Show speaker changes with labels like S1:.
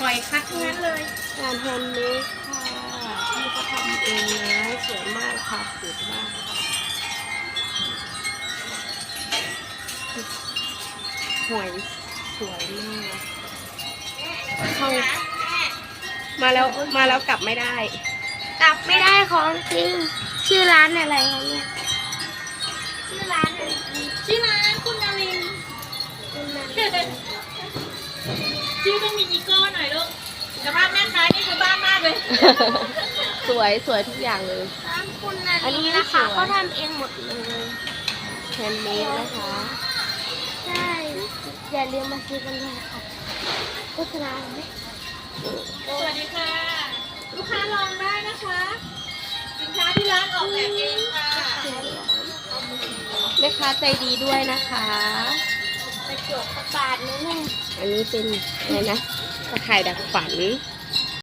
S1: หอยคัดทั้งนั้นเลย
S2: งานแฮนด์เมดค่ะที่เขาทำเองนะสวยมากค่ะสวยมากหวยสวยมากเข้ามาแล้วกลับไม่ได้
S3: กลับไม่ได้ของจริงชื่อร้านอะไรคะเนี่ยชื่อร้านอะไร
S1: ชื่อร้านคุณนารินทร์
S3: คุณนัน
S1: ชื่อต้องมีอีโก้หน่อยลูกแต่ภาพแม่ค้านี่คือบ้ามากเลย
S2: สวยทุกอย่างเลย
S3: ร้านคุณนัน
S2: อันนี้
S3: นะคะ
S2: สวย
S3: เขาทำเองหมดเลย
S2: แฮนด์เมดนะคะ
S3: ใช่อย่าลืมมาซื้อกันเลยค่ะโฆษณาไหม
S1: สวัสดีค่ะ ลูกค้าลองได้นะคะ สินค้าที่ร้านออกแบบเองค่ะ
S2: แม่ค้าใจดีด้วยนะคะ
S3: กระจกกระบาดนิดนึง
S2: อันนี้เป็นอะไรนะตะข่ายดักฝัน